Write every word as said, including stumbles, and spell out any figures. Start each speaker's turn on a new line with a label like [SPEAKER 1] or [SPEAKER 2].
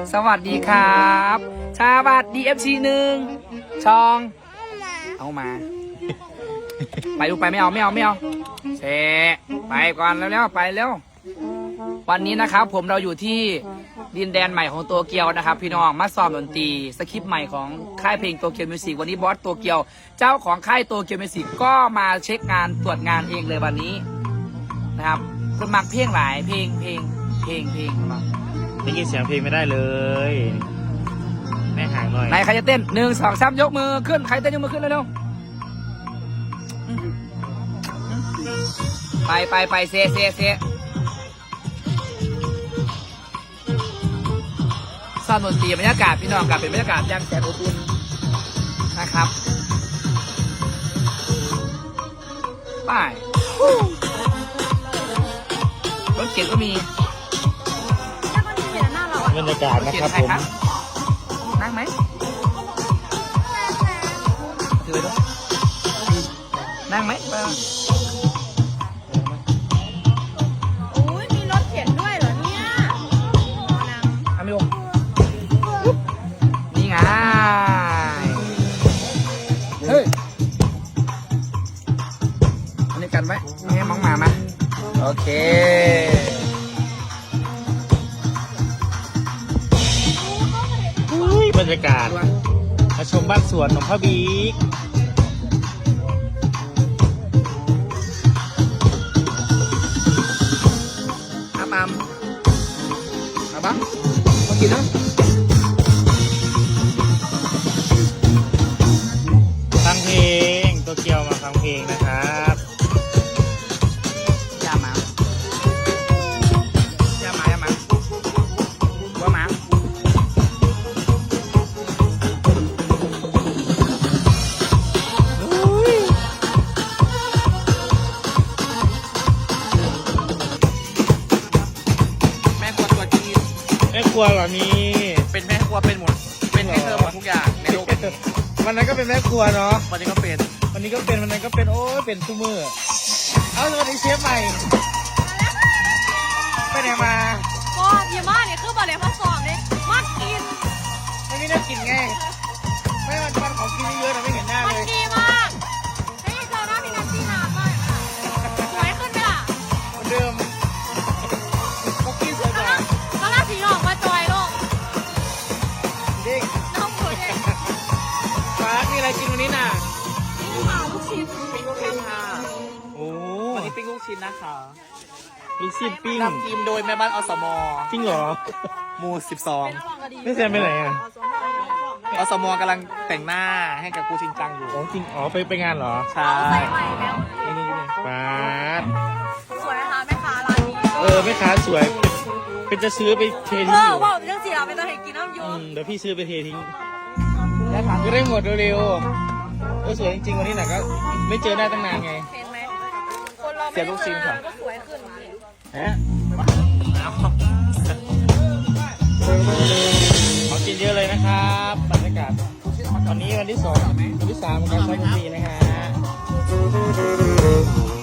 [SPEAKER 1] สวัสดีครับชาบัดดีเอฟซีหนึ่งชองเอามาไปลูกไปไม่เอาไม่เอาไม่เอาเชไปก่อนแล้วแล้วไปแล้ววันนี้นะครับผมเราอยู่ที่ดินแดนใหม่ของโตเกียวนะครับพี่น้องมาซ้อมดนตรีสคริปต์ใหม่ของค่ายเพลงโตเกียวมิวสิกวันนี้บอสโตเกียวเจ้าของค่ายโตเกียวมิวสิกก็มาเช็คงานตรวจงานเองเลยวันนี้นะครับคนมักเพลงหลายเพลงเพลงเพลงเพลงมา
[SPEAKER 2] ได้ยินเสียงเพลงไม่ได้เลยแม่ห่างหน่อย
[SPEAKER 1] ไหนใครจะเต้นหนึ่งสองสามยกมือขึ้นใครเต้นยกมือขึ้นเร็วๆไปไปไปเซเซเซสร้างดนตรีบรรยากาศพี่น้องกับเป็นบรรยากาศยังแสนอบอุ่นนะครับไปรถเก๋งก็มี
[SPEAKER 2] บรรยากาศนะครับผม
[SPEAKER 1] นั่งไหมถือด้วยนั่งไหม
[SPEAKER 3] โอ้ยมีรถเข็นด้วยเหรอเนี่ยนั่ง
[SPEAKER 1] อามิโอนี่ไงเฮ้ยอันนี้กันไว้ไม่ให้มองมามาโอเค
[SPEAKER 2] บรรยากาศมาชมบ้านสวนของพ่อบิ๊ก
[SPEAKER 1] อาบามอาบังมากินนะ
[SPEAKER 2] ฟังเพลงโตเกียวมาฟังเพลงนะครับ
[SPEAKER 1] ยาหมายาหมายาหมาวัวหมา
[SPEAKER 2] แม่ครัวเหรอนี่
[SPEAKER 1] เป็นแม่ครัวเป็นหมดเป็นให้เธอหมดทุกอย่างในโลกนี้
[SPEAKER 2] วันนั้นก็เป็นแม่ครัวเนาะ
[SPEAKER 1] วันนี้ก็เป็น
[SPEAKER 2] วันนี้ก็เป็นวันนั้นก็เป็นโอ้ยเป็นซูมือเอาสวัสดีเชฟใหม่ไปไหนมา
[SPEAKER 3] ก็ยี่ม่าเนี่ยคือบอลเลยพัสสองเลยมากิน
[SPEAKER 2] ไม่มีน่ากินไงไม่มันมันของกินเยอะแต่ไม่เห็นหน้าเลย
[SPEAKER 3] มันดีมากเฮ้ยเจอหน้าพี่นัทที่นานมากสวยขึ้นไหมล่ะ
[SPEAKER 2] เหมือนเดิมก็กินสวยกว่า
[SPEAKER 3] ก็ล่าสีหลอกมาจอยลูก
[SPEAKER 2] เด็ก
[SPEAKER 3] น้องหมูเด็ก
[SPEAKER 2] ฟ้ามีอะไรกินวันนี้น่ะ
[SPEAKER 3] ปิ้งเผาลูกชิ้น
[SPEAKER 1] ปิ้งลูกชิ้นค่ะ
[SPEAKER 2] โอ้
[SPEAKER 1] วันนี้ปิ้งลูกชิ้นนะคะ
[SPEAKER 2] ลูกชิ้นปิ้ง
[SPEAKER 1] นำทีมโดยแม่บ้านอสม
[SPEAKER 2] จริงเหรอ
[SPEAKER 1] หมู่สิบสอง
[SPEAKER 2] ไม่แซมไปไหนอ่ะ
[SPEAKER 1] อสมกำลังแต่งหน้าให้กับกูชินจังอยู่
[SPEAKER 2] อ๋อจริงอ๋อไปไปงานเหรอ
[SPEAKER 1] ใช่
[SPEAKER 3] ใส่ใหม่แล้ว
[SPEAKER 2] นี่นี่นี่ฟ้า
[SPEAKER 3] สวยนะคะแม่ค้าร้านนี้
[SPEAKER 2] เออแม่ค้าสวยเป็นจะซื้อไปเททิ้งอยู่
[SPEAKER 3] เออว่าเรื่องสีเราเป็นตัวเห็นกินน้ำยู
[SPEAKER 2] เดี๋ยวพี่ซื้อไปเททิ้งก็ได้หมดเร็วๆเออสวยจริงๆวันนี้น่ะก็ไม่เจอได้ตั้งนานไง
[SPEAKER 3] เห็นไหมคนเราไม่เจอก็สวยขึ้น
[SPEAKER 2] ฮะขอกินเยอะเลยนะครับบรรยากาศวันนี้วันที่สองวันที่สามของการใช้ดนตรีนะฮะ